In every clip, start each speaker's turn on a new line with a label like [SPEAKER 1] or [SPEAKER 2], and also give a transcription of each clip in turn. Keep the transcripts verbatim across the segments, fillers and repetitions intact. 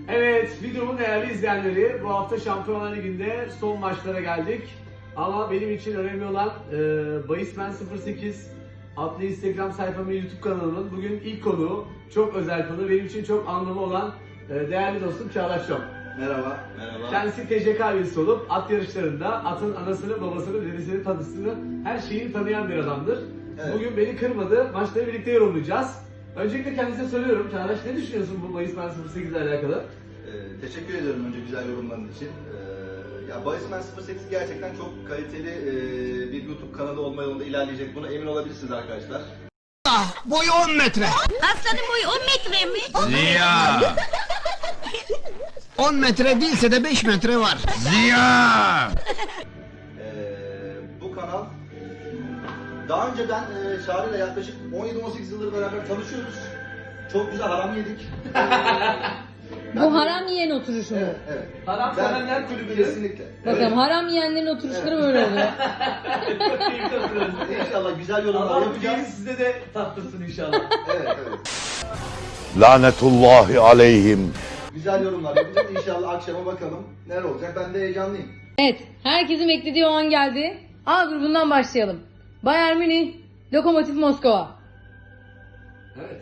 [SPEAKER 1] Evet, videomun değerli izleyenleri, bu hafta Şampiyonlar Ligi'nde son maçlara geldik. Ama benim için önemli olan e, Bahismen sıfır sekiz adlı Instagram sayfamın YouTube kanalının bugün ilk konuğu, çok özel konu, benim için çok anlamı olan e, değerli dostum Çağdaş Şom.
[SPEAKER 2] Merhaba. Merhaba.
[SPEAKER 1] Kendisi T C K üyesi olup at yarışlarında atın anasını, babasını, dedesini, tanısını, her şeyini tanıyan bir adamdır.
[SPEAKER 2] Evet.
[SPEAKER 1] Bugün beni kırmadı, maçları birlikte yorumlayacağız. Öncelikle kendisine soruyorum, Çağdaş ne düşünüyorsun bu Bahismen sıfır sekiz ile alakalı?
[SPEAKER 2] Ee, teşekkür ediyorum önce güzel yorumların için. Ee, ya Bahismen sıfır sekiz gerçekten çok kaliteli e, bir YouTube kanalı olma yolunda ilerleyecek. Buna emin olabilirsiniz arkadaşlar.
[SPEAKER 3] Ah, boyu on metre.
[SPEAKER 4] Aslanın boyu on metre mi?
[SPEAKER 3] Ziya. on metre değilse de beş metre var. Ziya.
[SPEAKER 2] Ee, bu kanal daha önce ben e, Çağrı ile yaklaşık on yedi on sekiz yıldır beraber tanışıyoruz. Çok güzel haram yedik.
[SPEAKER 5] Bu haram yiyen oturuşu mu?
[SPEAKER 2] Evet, evet.
[SPEAKER 1] Haram
[SPEAKER 2] Ben-
[SPEAKER 1] sevenler kulübü.
[SPEAKER 2] Kesinlikle.
[SPEAKER 5] Bakalım haram yiyenlerin oturuşları
[SPEAKER 2] Evet.
[SPEAKER 5] böyle oluyor.
[SPEAKER 2] İnşallah güzel yorumlar
[SPEAKER 1] Allah bu
[SPEAKER 2] yapacağız.
[SPEAKER 1] değil size de tattırsın inşallah.
[SPEAKER 2] Evet, evet.
[SPEAKER 6] Lanetullahi aleyhim.
[SPEAKER 2] Güzel yorumlar yapacağız. İnşallah akşama bakalım neler olacak. Ben de heyecanlıyım.
[SPEAKER 5] Evet, herkesin beklediği o an geldi. A grubundan başlayalım. Bayern Münih, Lokomotiv Moskova.
[SPEAKER 1] Evet.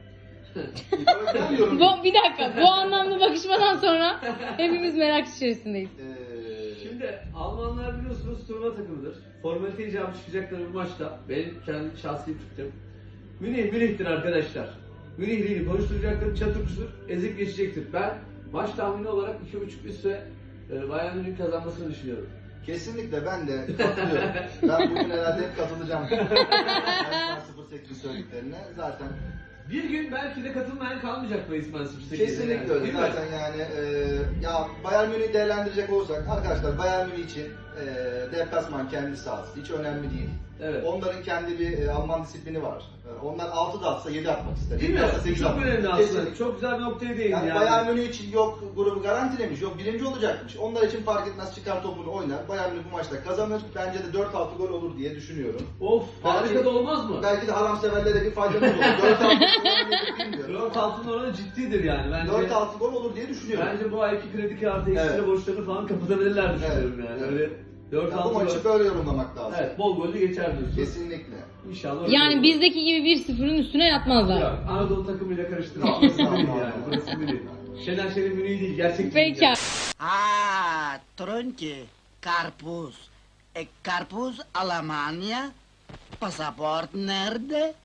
[SPEAKER 2] İlk yorum.
[SPEAKER 5] Bu, bir dakika, bu anlamlı bakışmadan sonra hepimiz merak içerisindeyiz.
[SPEAKER 2] Ee,
[SPEAKER 1] Şimdi Almanlar biliyorsunuz turnuva takımıdır. Formalite icabı çıkacakları bu maçta. Benim kendi şahsi fikrim. Münih Münih'tir arkadaşlar. Münihliğini konuşturacaktır, çatırçıdır, ezip geçecektir. Ben maç tahmini olarak iki buçuk üstte e, Bayern Münih'in kazanmasını düşünüyorum.
[SPEAKER 2] Kesinlikle ben de katılıyorum. Ben bugün herhalde hep katılacağım. Bahismen sıfır sekiz söylediklerine zaten.
[SPEAKER 1] Bir gün belki de katılmayan kalmayacak Bahismen sıfır sekiz'e.
[SPEAKER 2] Kesinlikle
[SPEAKER 1] yani,
[SPEAKER 2] öyle.
[SPEAKER 1] değil mi?
[SPEAKER 2] Zaten yani e, ya Bayern Münih'i değerlendirecek olursak arkadaşlar Bayern Münih için e, deplasman kendi sahası hiç önemli değil.
[SPEAKER 1] Evet.
[SPEAKER 2] Onların kendi bir e, Alman disiplini var. E, onlar altı da atsa yedi atmak ister.
[SPEAKER 1] Değil mi?
[SPEAKER 2] yedi atsa sekiz
[SPEAKER 1] Çok
[SPEAKER 2] atmak
[SPEAKER 1] önemli
[SPEAKER 2] ister.
[SPEAKER 1] aslında.
[SPEAKER 2] Kesinlikle.
[SPEAKER 1] Çok güzel bir noktaya değindi
[SPEAKER 2] Yani,
[SPEAKER 1] yani.
[SPEAKER 2] Bayern Münih için yok grubu garantilemiş, yok birinci olacakmış. Onlar için fark etmez çıkar topunu oynar. Bayern Münih bu maçta kazanır. Bence de dört altı gol olur diye düşünüyorum.
[SPEAKER 1] Of, harika
[SPEAKER 2] Belki-
[SPEAKER 1] da olmaz mı?
[SPEAKER 2] Belki de haram severlere bir faydamız olur. dört altı gol olur bilmiyorum.
[SPEAKER 1] dört altının oranı ciddidir yani. Bence,
[SPEAKER 2] dört altı gol olur diye düşünüyorum.
[SPEAKER 1] bence bu ayki kredi kartı ekstra
[SPEAKER 2] Evet.
[SPEAKER 1] borçlarını falan kapatabilirler düşünüyorum
[SPEAKER 2] Evet.
[SPEAKER 1] yani.
[SPEAKER 2] Evet.
[SPEAKER 1] Öyle dört
[SPEAKER 2] Ya bu
[SPEAKER 1] altı
[SPEAKER 2] maçı
[SPEAKER 1] gol.
[SPEAKER 2] böyle yorumlamak lazım.
[SPEAKER 1] Evet, bol gollü geçer diyorsun.
[SPEAKER 2] Kesinlikle.
[SPEAKER 1] İnşallah öyle
[SPEAKER 5] Yani
[SPEAKER 1] olur.
[SPEAKER 5] bizdeki gibi bir sıfırın üstüne yatmazlar.
[SPEAKER 1] Yok, Anadolu takımıyla karıştırma. Burası Münih yani. Burası Münih. Şener Şen'in Münih'i değil, gerçek Münih
[SPEAKER 5] Peki.
[SPEAKER 1] yani.
[SPEAKER 7] Ah, tronche, karpuz. E karpuz Almanya? Pasaport nerede?